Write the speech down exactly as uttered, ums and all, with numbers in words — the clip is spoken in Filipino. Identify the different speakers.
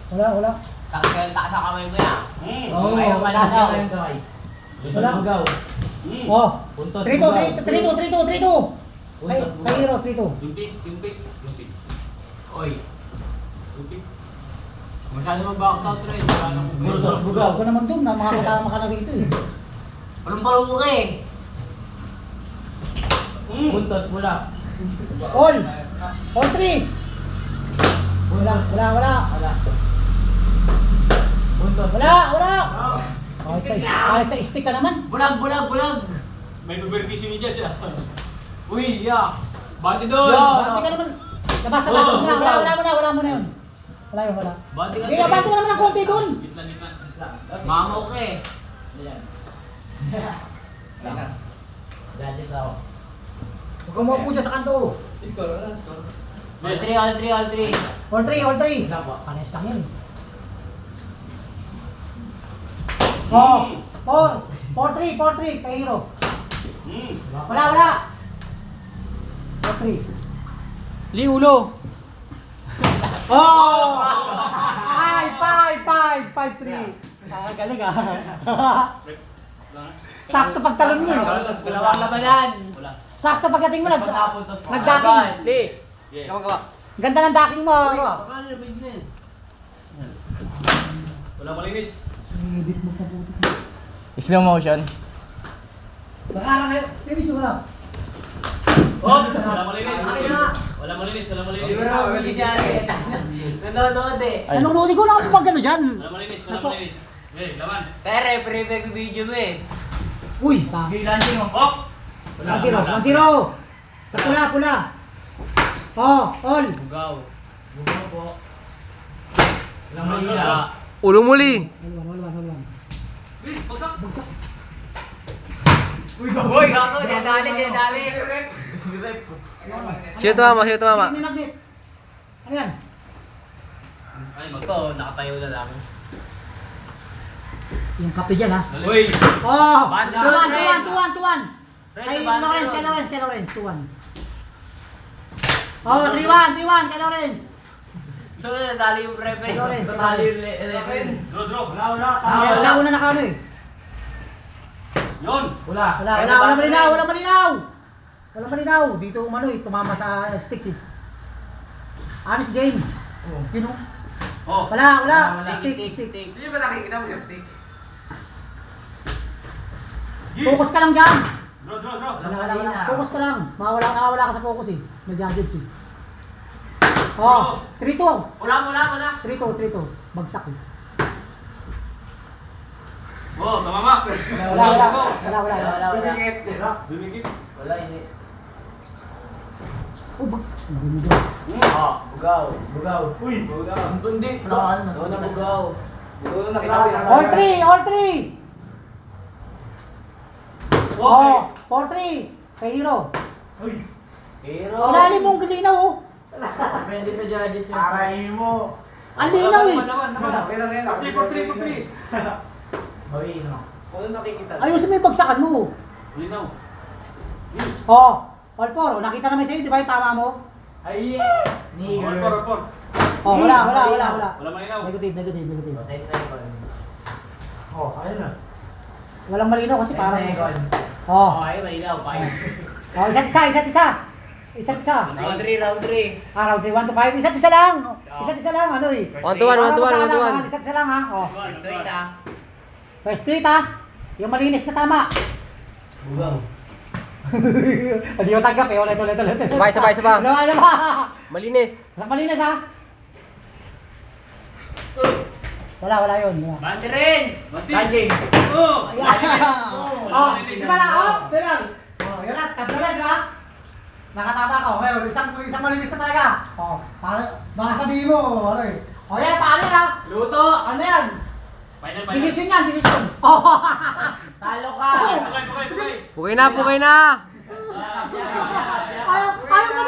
Speaker 1: Wala, wala.
Speaker 2: Takil taas sa kamay mo yan.
Speaker 3: Hmm.
Speaker 2: Oo, ayaw malagaw.
Speaker 1: Wala.
Speaker 4: Bugaw.
Speaker 3: Hmm.
Speaker 1: Oh.
Speaker 4: Puntos
Speaker 1: three two,
Speaker 4: bugaw.
Speaker 1: three two, three two, three two. Kay,
Speaker 4: Puntos
Speaker 1: kay
Speaker 4: bugaw.
Speaker 1: Hero, three two.
Speaker 3: Lumpik, lumpik, lumpik.
Speaker 2: Oy,
Speaker 3: Lumpik.
Speaker 2: masyado mag-box out rin. Wala nang
Speaker 4: Puntos bugaw.
Speaker 1: Huwag ka naman dun, na makakatama ka na rito eh.
Speaker 2: Walang palungo ka eh.
Speaker 3: Hmm.
Speaker 4: Puntos bula.
Speaker 1: All. All three. Wala, wala, wala.
Speaker 4: Wala. Puntos.
Speaker 1: Wala, wala. Kahit sa, kahit sa stick ka naman.
Speaker 2: Bulag, bulag, bulag.
Speaker 3: May paberkisi ni Jess ah.
Speaker 2: Uy, ya. Bati doon.
Speaker 1: Bati ka naman. Labas, labas, labas na. Wala, wala mo na, wala mo na yun. Wala yun, wala.
Speaker 2: Bati ka
Speaker 1: Kaya bati ka naman ng konti dun.
Speaker 3: Gitna, gitna.
Speaker 2: Mamaw ka eh.
Speaker 4: Ayan. Ayan. Judges ako.
Speaker 1: Huwag kang maupo dyan sa kanto.
Speaker 2: All three, all three, all three.
Speaker 1: All three, all three.
Speaker 4: Wala po.
Speaker 1: Pares lang yun. Oh, four. Four three, four three. Kay Hero.
Speaker 3: Hmm.
Speaker 1: Wala, wala. Four three.
Speaker 4: Liulo.
Speaker 1: Oh! Five, five, five, five, three. Ah, galing ah. Sakto pagtalon mo eh.
Speaker 2: Dalawang labanan.
Speaker 3: Wala.
Speaker 1: Sakto pagdating mo, nag,
Speaker 2: Pagkapuntos mo.
Speaker 1: nagdaking.
Speaker 4: Li.
Speaker 3: Yeah.
Speaker 4: Gawa gawa.
Speaker 1: Ganda ng daking mo.
Speaker 4: Uy,
Speaker 1: Ano?
Speaker 4: baka nilabig na yun.
Speaker 3: Wala malinis.
Speaker 1: Edit mo pa buti.
Speaker 4: Slow motion.
Speaker 1: Nag-arang kayo. May video ko lang.
Speaker 3: Oh, wala malinis.
Speaker 2: Akin na.
Speaker 3: Wala malinis, wala
Speaker 2: Di
Speaker 3: malinis.
Speaker 2: ba naman bilis yan eh. Nanonood eh.
Speaker 4: Ay.
Speaker 1: Anong lodi ko lang ako pag gano'n dyan?
Speaker 3: Wala malinis, wala malinis. Eh, laman.
Speaker 2: Tere, pre-pre video mo eh.
Speaker 1: Uy, pa.
Speaker 4: Landing mo.
Speaker 3: Oh!
Speaker 1: One zero, one zero. Sa pula, pula. Oh, all.
Speaker 2: Bugaw.
Speaker 4: Bugaw po.
Speaker 3: Walang malila.
Speaker 4: Ulo muli.
Speaker 1: All one, all one, all one.
Speaker 3: Eh, bagsak.
Speaker 1: Bagsak.
Speaker 2: Uy, gago. Dinadali, dinadali.
Speaker 4: Sino tumama? Sino tumama?
Speaker 1: May magnet. Ano yan?
Speaker 3: Ay, mag...
Speaker 2: Ito, nakatayo na lang.
Speaker 1: Yung kape dyan ha.
Speaker 3: Dali.
Speaker 2: Uy!
Speaker 1: Oh!
Speaker 2: Banda,
Speaker 1: two one,
Speaker 2: Ren.
Speaker 1: two one, two one, two one.
Speaker 2: Ren,
Speaker 1: Ay,
Speaker 2: banda
Speaker 1: Lawrence,
Speaker 2: yun.
Speaker 1: kay Lawrence, kay Lawrence, two one. Oh, three one, three one, kay Lawrence.
Speaker 2: So, nadali yung pre-pre.
Speaker 1: Kay Lawrence, kay
Speaker 2: Nadali
Speaker 1: Lawrence.
Speaker 2: yung eleven.
Speaker 3: Draw, draw.
Speaker 4: Wala, wala.
Speaker 1: Siya, siya una na kano eh.
Speaker 3: Yun.
Speaker 4: Wala.
Speaker 1: Wala, wala, wala malinaw, wala malinaw. Wala malinaw. Dito umano eh, tumama sa stick eh. Honest game.
Speaker 4: Oh.
Speaker 1: Yun oh.
Speaker 3: Oh.
Speaker 1: Wala, wala.
Speaker 2: Wala,
Speaker 1: Stick,
Speaker 2: stick,
Speaker 1: stick.
Speaker 2: stick.
Speaker 4: Hindi ba nakikita mo yung stick?
Speaker 1: Focus ka lang dyan.
Speaker 3: Draw, draw, draw.
Speaker 1: Wala, wala, wala. Focus ka lang. Mawala, nakawala ka sa focus eh. Nag-judge eh. Oh, three two.
Speaker 2: Wala, wala, wala.
Speaker 1: three two, three two. Bagsak eh.
Speaker 3: Oh, tamama.
Speaker 1: Wala, wala, wala. Wala, wala.
Speaker 2: Wala, wala.
Speaker 3: Dumikit.
Speaker 2: Wala, hindi.
Speaker 1: Oh, bag. Hindi mo
Speaker 2: Oh, bugaw.
Speaker 4: Bugaw. Uy. Bugaw. Ang tundi.
Speaker 2: Doon na bugaw.
Speaker 4: Bugaw na kita.
Speaker 1: All three, all three. Oh, four three. Kay Hero.
Speaker 3: Uy.
Speaker 2: Hero.
Speaker 1: Wala rin mong gilinaw oh.
Speaker 4: Depende sa judges yung kain mo.
Speaker 1: Ang linaw eh.
Speaker 3: Naman, naman.
Speaker 4: Okay lang yan.
Speaker 3: Three, four, three, four, three.
Speaker 4: Hoy, no. Kung nakikita.
Speaker 1: Ayusin mo yung bagsakan mo.
Speaker 3: Linaw.
Speaker 1: Oh, all four. Oh, nakita naman sa'yo, di ba yung tama mo?
Speaker 4: Ay,
Speaker 3: All four, all four.
Speaker 1: Oh, wala, wala, wala, wala.
Speaker 3: Wala malinaw.
Speaker 1: Negative, negative, negative.
Speaker 4: Oh, ayun na.
Speaker 1: Walang malinaw kasi parang...
Speaker 2: Oh,
Speaker 1: Oh,
Speaker 2: ay, malinaw. Five.
Speaker 1: oh, isa't isa, isa't isa. Isa't isa.
Speaker 2: Round three, round three.
Speaker 1: Ah, round three, one to five. Isa't isa lang. Isa't isa lang, ano eh.
Speaker 4: One to one, one to one, one to one.
Speaker 1: Isa't isa lang ha. Oh.
Speaker 2: First to eight ah.
Speaker 1: First tweet ha. Yung malinis na tama.
Speaker 4: Bugaw.
Speaker 1: Hindi mo tanggap eh. Ulit, ulit, ulit.
Speaker 4: Sabay, sabay, sabay.
Speaker 1: Ano, ano ba?
Speaker 4: Malinis.
Speaker 1: Malinis ha. Wala, wala yun. Wala.
Speaker 2: Banty Renz!
Speaker 4: Kajing.
Speaker 3: Oh!
Speaker 1: Ayan.
Speaker 3: Wala
Speaker 1: Oh,
Speaker 3: malinis.
Speaker 1: isa lang, oh, bilang. Oh, yun na, tatlo na, di ba? Nakatama ka, okay, isang, isang malinis na talaga. Oh, para, baka sabihin mo, ano eh. Oh, yan, paano na?
Speaker 2: Luto!
Speaker 1: Ano yan?
Speaker 3: Final, final.
Speaker 1: Decision yan, decision. Oh,
Speaker 2: Talo ka!
Speaker 3: Pukay, pukay, pukay.
Speaker 4: Pukay na, pukay na.
Speaker 1: ayaw, ayaw mo